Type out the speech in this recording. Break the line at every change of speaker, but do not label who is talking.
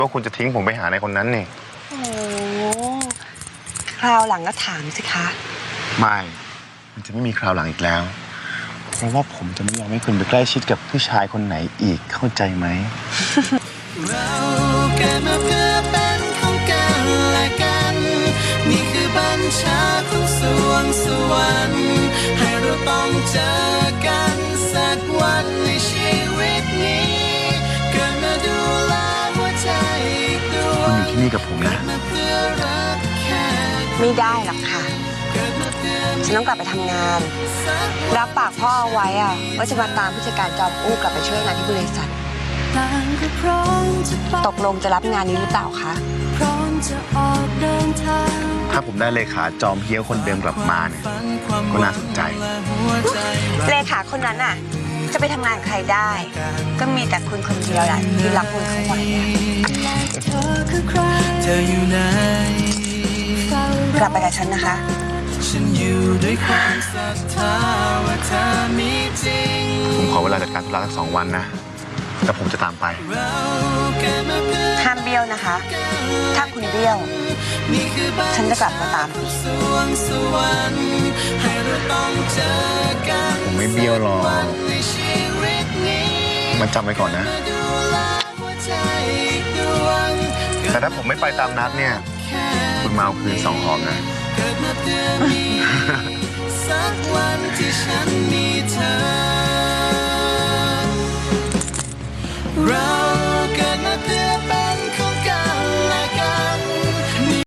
ว่าคุณจะทิ้งผมไปหาในคนนั้นนี่
โอ้คราวหลังก็ถามสิคะ
ไม่มันจะไม่มีคราวหลังอีกแล้วเพราะว่าผมจะไม่ยอมให้คุณไปใกล้ชิดกับผู้ชายคนไหนอีกเข้าใจไหม
เราเกิดมาเพื่อเป็นของกันและกันนี่คือบัญชาของสวงสวรรค์ให้เราต้องเจอกันสักวันในชีวิตนี้เกิดมาดูแลหัวใจอีกดวง
คุณอยู่ที่นี่กับผมนะ
ไม่ได้หรอกค่ะฉันต้องกลับไปทำงานรับปากพ่อเอาไว้ว่าจะมาตามผู้จัดการจอมอู้กลับไปช่วยงานที่บริษัทตกลงจะรับงานนี้หรือเปล่าคะ
ถ้าผมได้เลขาจอมเฮี้ยวคนเดิมกลับมาเนี่ยก็น่าสนใจ
เลขาคนนั้นจะไปทำงานใครได้ก็มีแต่คุณคนเดียวแหละที่รับมือเขาไว้กลับไปกับฉันนะคะ
ผมขอเวลาจัดการธุระสัก2 วันนะแล้วผมจะตามไป
ห้ามเบี้ยวนะคะ ถ้าคุณเบี้ยวฉันจะกลับมาตาม
ผมไม่เบี้ยวหรอกมันจำไว้ก่อนนะแต่ถ้าผมไม่ไปตามนัดเนี่ยคุณมาเอาคืน2 หอมนะ